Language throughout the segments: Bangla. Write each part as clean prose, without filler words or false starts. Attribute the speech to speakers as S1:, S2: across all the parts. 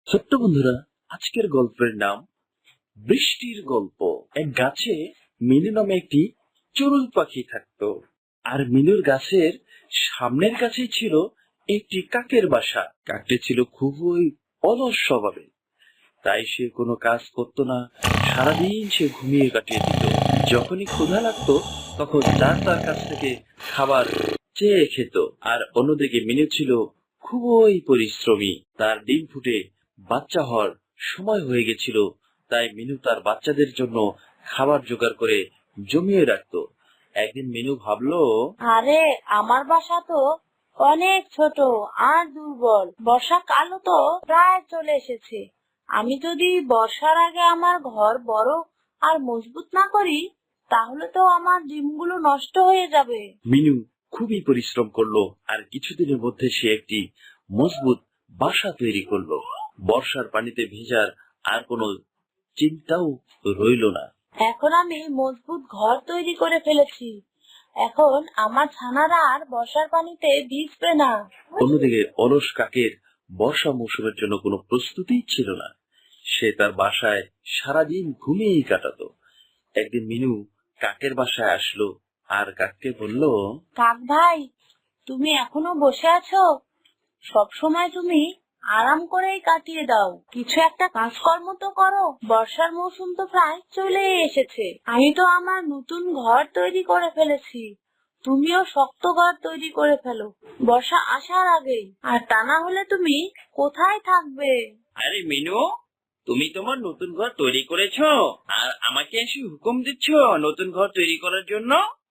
S1: ছোট্ট বন্ধুরা, আজকের গল্পের নাম বৃষ্টির গল্প। এক গাছে মিনু নামে একটি চড়ুই পাখি থাকতো। আর মিনুর গাছের সামনের কাছেই ছিল একটি কাকের বাসা। কাকটি ছিল খুবই অলস স্বভাবের, তাই সে কোনো কাজ করতো না। সারাদিন সে ঘুমিয়ে কাটিয়ে দিত। যখনই ক্ষুধা লাগতো তখন যার তার কাছ থেকে খাবার চেয়ে খেত। আর অন্যদিকে মিনু ছিল খুবই পরিশ্রমী। তার ডিম ফুটে বাচ্চা হওয়ার সময় হয়ে গেছিল, তাই মিনু তার বাচ্চাদের জন্য খাবার জোগাড় করে জমিয়ে রাখতো। একদিন মিনু ভাবলো,
S2: আরে আমার বাসা তো অনেক ছোট আর দুর্বল। বর্ষাকালও তো প্রায় চলে এসেছে। আমি যদি বর্ষার আগে আমার ঘর বড় আর মজবুত না করি, তাহলে তো আমার ডিমগুলো নষ্ট হয়ে যাবে।
S1: মিনু খুবই পরিশ্রম করলো আর কিছুদিনের মধ্যে সে একটি মজবুত বাসা তৈরি করলো। বর্ষার পানিতে ভেজার আর কোনো চিন্তাও রইল না।
S2: এখন আমি মজবুত ঘর তৈরি করে ফেলেছি। এখন আমার ছানারা আর বর্ষার পানিতে ভিজবে না।
S1: অন্যদিকে অলস কাকের বর্ষা মৌসুমের জন্য কোনো প্রস্তুতি ছিল না। সে তার বাসায় সারাদিন ঘুমিয়েই কাটাতো। একদিন মিনু কাকের বাসায় আসলো আর কাককে বলল,
S2: কাক ভাই, তুমি এখনো বসে আছো? সব সময় তুমি আরাম করেই কাটিয়ে দাও, কিছু একটা কাজকর্ম তো করো। বর্ষার মৌসুম তো প্রায় চলে এসেছে। আমি তো আমার নতুন ঘর তৈরি করে ফেলেছি। তুমিও শক্ত ঘর তৈরি করে ফেলো বর্ষা আসার আগেই, আর তা না হলে তুমি কোথায় থাকবে?
S1: আরে মিনু, তুমি তোমার নতুন ঘর তৈরি করেছো আর আমাকে এসে হুকুম দিচ্ছ নতুন ঘর তৈরি করার জন্য?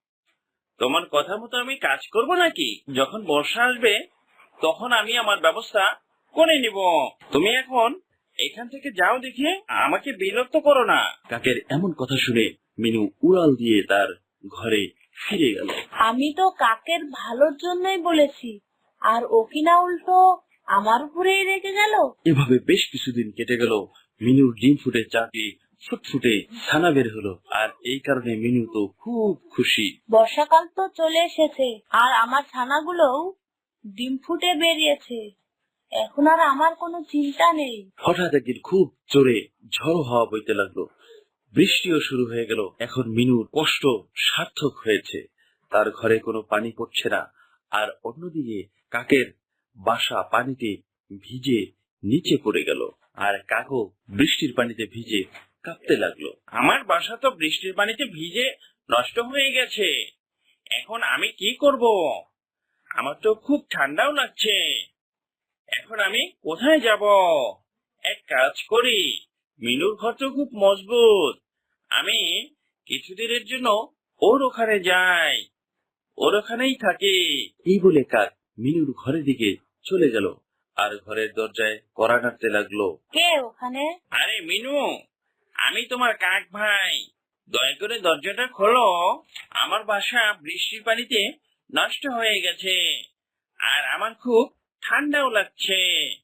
S1: তোমার কথা মতো আমি কাজ করব নাকি? যখন বর্ষা আসবে তখন আমি আমার ব্যবস্থা করে নিব। তুমি এখন এখান থেকে যাও, দেখে আমাকে বিরক্ত করো না। কাকের এমন কথা শুনে মিনু উড়াল দিয়ে তার ঘরে ফিরে গেল।
S2: আমি তো কাকের ভালোর জন্যই বলেছি, আর ও কিনা উল্টো আমার উপরেই রেগে গেল।
S1: এভাবে বেশ কিছুদিন কেটে গেল। মিনুর ডিম ফুটে চারটি ফুটফুটে ছানা বের হলো, আর এই কারণে মিনু তো খুব খুশি।
S2: বর্ষাকাল তো চলে এসেছে আর আমার ছানাগুলোও ডিম ফুটে বেরিয়েছে। এখন আর আমার কোনো চিন্তা নেই।
S1: হঠাৎ একদিন খুব জোরে ঝড়ো হাওয়া বইতে লাগলো। বৃষ্টিও শুরু হয়ে গেল। এখন মিনুর কষ্ট সার্থক হয়েছে। তার ঘরে কোনো পানি পড়ছে না। আর অন্যদিকে কাকের বাসা পানিতে ভিজে নিচে পড়ে গেল। আর কাকও বৃষ্টির পানিতে ভিজে কাঁপতে লাগলো। আমার বাসা তো বৃষ্টির পানিতে ভিজে নষ্ট হয়ে গেছে। এখন আমি কি করব? আমার তো খুব ঠান্ডাও লাগছে। এখন আমি কোথায় যাব? এক কাজ করি, মিনুর ঘর তো খুব মজবুত। আমি কিছুদিনের জন্য ওর ওখানে যাই, ওর ওখানেই থাকি। এই বলে কাক মিনুর ঘরের দিকে চলে গেল আর ঘরের দরজায় কড়া নাড়তে লাগলো।
S2: কে ওখানে?
S1: আরে মিনু, আমি তোমার কাক ভাই। দয়া করে দরজাটা খোলো। আমার বাসা বৃষ্টির পানিতে নষ্ট হয়ে গেছে আর আমার খুব ঠান্ডাও লাগছে।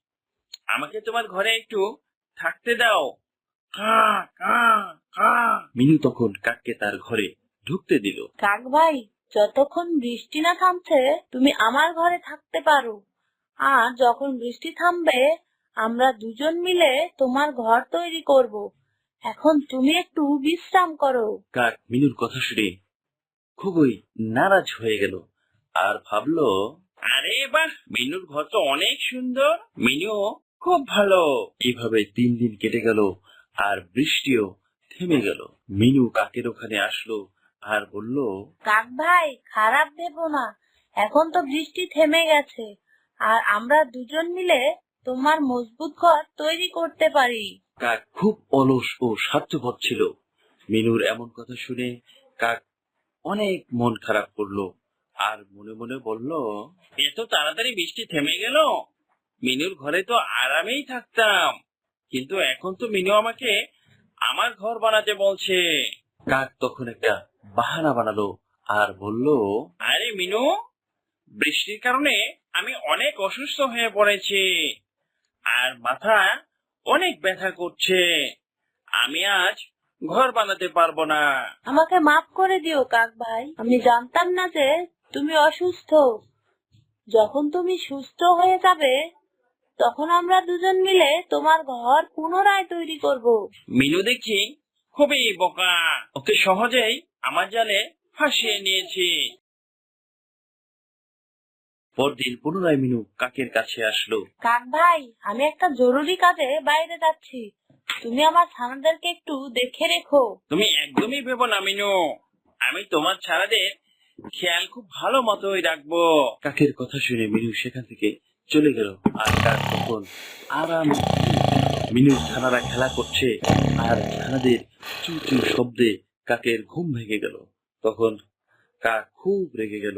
S1: আমাকে তোমার ঘরে একটু থাকতে দাও। কা কা কা। মিনু তখন কাককে তার ঘরে ঢুকতে দিল।
S2: কাক ভাই, যতক্ষণ বৃষ্টি না থামছে তুমি আমার ঘরে থাকতে পারো, আর যখন বৃষ্টি থামবে আমরা দুজন মিলে তোমার ঘর তৈরি করব। এখন তুমি একটু বিশ্রাম করো।
S1: কাক মিনুর কথা শুনে খুবই নারাজ হয়ে গেল আর ভাবলো, আরে বাহ, মিনুর ঘর তো অনেক সুন্দর, মিনু খুব ভালো। এইভাবে 3 দিন কেটে গেল আর বৃষ্টিও থেমে গেল। মিনু কাকের ওখানে আসলো আর বলল,
S2: কাক ভাই, খারাপ ভেবো না। এখন তো বৃষ্টি থেমে গেছে আর আমরা দুজন মিলে তোমার মজবুত ঘর তৈরি করতে পারি।
S1: কাক খুব অলস ও স্বার্থপর ছিল। মিনুর এমন কথা শুনে কাক অনেক মন খারাপ করলো আর মনে মনে বলল, এত তাড়াতাড়ি বৃষ্টি থেমে গেল। মিনুর ঘরে তো আরামেই থাকতাম, কিন্তু এখন তো মিনু আমাকে আমার ঘর বানাতে বলছে। কাক তখন একটা বাহানা বানালো আর বলল, আরে মিনু, বৃষ্টির কারণে আমি অনেক অসুস্থ হয়ে পড়েছি আর মাথা অনেক ব্যথা করছে। আমি আজ ঘর বানাতে পারবো না।
S2: আমাকে মাফ করে দিও কাক ভাই, আমি জানতাম না যে তুমি অসুস্থ। যখন তুমি সুস্থ হয়ে যাবে তখন আমরা দুজন মিলে তোমার ঘর পুনরায় তৈরি করব।
S1: মিনু দেখছি খুবই বোকা, ওকে সহজেই আমার জালে ফাঁসিয়ে নিয়েছি। পরদিন পুনরায় মিনু কাকের কাছে আসলো।
S2: কাক ভাই, আমি একটা জরুরি কাজে বাইরে যাচ্ছি, তুমি আমার ছানাদেরকে একটু দেখে রেখো।
S1: তুমি একদমই ভেবো না মিনু, আমি তোমার ছানাদের খেয়াল খুব ভালো মতোই রাখবো। কাকের কথা শুনে মিনু সেখান থেকে চলে গেল। আর কাক তখন আরাম, মিনুর ছানারা খেলা করছে আর ছানাদের চু চু শব্দে কাকের ঘুম ভেঙে গেল। তখন কাক খুব রেগে গেল।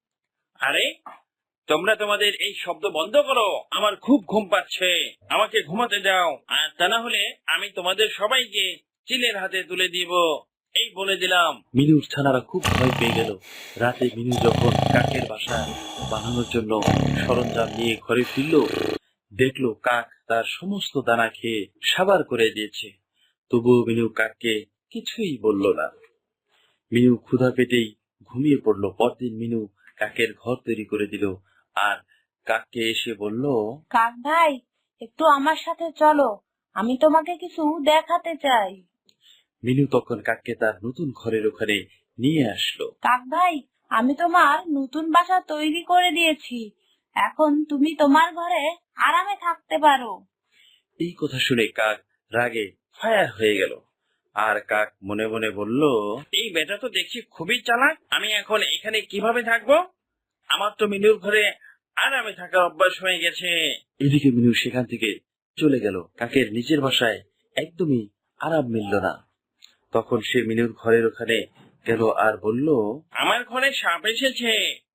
S1: আরে তোমরা তোমাদের এই শব্দ বন্ধ করো, আমার খুব ঘুম পাচ্ছে, আমাকে ঘুমাতে যাও, আর তা না হলে আমি তোমাদের সবাইকে চিলের হাতে তুলে দিব, এই বলে দিলাম। মিনুর ছানারা খুব ভয় পেয়ে গেল। রাতে মিনু যখন কাকের বাসা বানানোর জন্য সরঞ্জাম নিয়ে ঘরে ফিরল, দেখলো কাক তার সমস্ত দানা খেয়ে সাবার করে দিয়েছে। তবুও মিনু কাককে কিছুই বলল না। মিনু ক্ষুধা পেটেই ঘুমিয়ে পড়লো। পরদিন মিনু কাকের ঘর তৈরি করে দিল আর কাককে এসে বলল,
S2: কাক ভাই, একটু আমার সাথে চলো, আমি তোমাকে কিছু দেখাতে চাই।
S1: মিনু তখন কাককে তার নতুন ঘরের ওখানে নিয়ে আসলো।
S2: কাক ভাই, আমি তোমার নতুন বাসা তৈরি করে দিয়েছি, এখন তুমি তোমার ঘরে আরামে থাকতে পারো।
S1: এই কথা শুনে কাক রাগে ফায়ার হয়ে গেল। আর কাক মনে মনে বলল, এই বেটা তো দেখছি খুবই চালাক, আমি এখন এখানে কিভাবে থাকবো? আমার তো মিনুর ঘরে আরামে থাকার অভ্যাস হয়ে গেছে। এদিকে মিনু সেখান থেকে চলে গেল। কাকের নিজের বাসায় একদমই আরাম মিলল না। তখন সে মিনুর ঘরের ওখানে গেল আর বলল, আমার ঘরে সাপ এসেছে,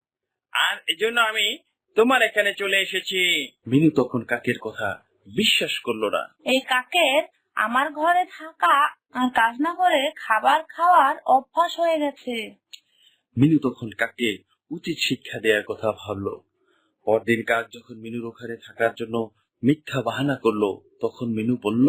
S1: আর এজন্য আমি তোমার এখানে চলে এসেছি। মিনু তখন কাকের কথা বিশ্বাস করলো না।
S2: এই কাকের আমার ঘরে থাকা আর কাজ না করে খাবার খাওয়ার অভ্যাস হয়ে গেছে।
S1: মিনু তখন কাককে উচিত শিক্ষা দেওয়ার কথা ভাবলো। পরদিন কাক যখন মিনুর ওখানে থাকার জন্য মিথ্যা বাহানা করলো, তখন মিনু বলল,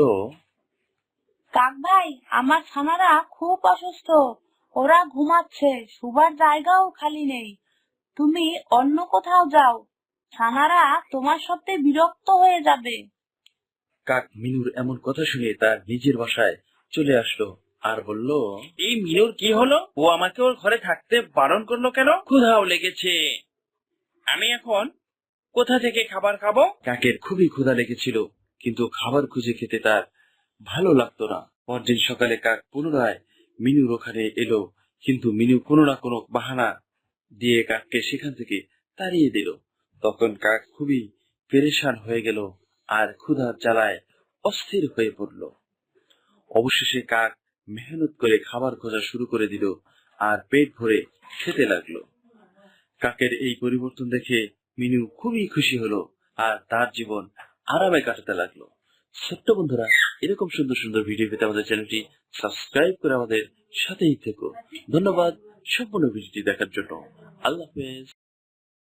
S2: কাক ভাই, আমার ছানারা খুব অসুস্থ, ওরা ঘুমাচ্ছে, শুবার জায়গাও খালি নেই, তুমি অন্য কোথাও যাও, ছানারা তোমার সাথে বিরক্ত হয়ে যাবে।
S1: কাক মিনুর এমন কথা শুনে তার নিজের বাসায় চলে আসলো আর বলল, এই মিনুর কি হলো? ও আমাকে ওর ঘরে থাকতে বারণ করলো কেন? ক্ষুধাও লেগেছে, আমি এখন কোথা থেকে খাবার খাবো? কাকের খুবই ক্ষুধা লেগেছিল, কিন্তু খাবার খুঁজে খেতে তার ভালো লাগতো না। পরদিন সকালে কাক পুনরায় মিনুর ওখানে এলো, কিন্তু মিনু কোনো না কোনো বাহানা দিয়ে কাককে সেখান থেকে তাড়িয়ে দিল। তখন কাক খুবই পেরেশান হয়ে গেল আর ক্ষুধার জ্বালায় অস্থির হয়ে পড়ল। অবশেষে কাক মেহনত করে খাবার খোঁজা শুরু করে দিল আর পেট ভরে খেতে লাগলো। কাকের এই পরিবর্তন দেখে মিনু খুবই খুশি হলো আর তার জীবন আরামে কাটাতে লাগলো। ছোট্ট বন্ধুরা, এরকম সুন্দর সুন্দর ভিডিও পেতে আমাদের চ্যানেলটি সাবস্ক্রাইব করে আমাদের সাথেই থেকো। ধন্যবাদ সম্পূর্ণ ভিডিওটি দেখার জন্য। আল্লাহ হাফেজ।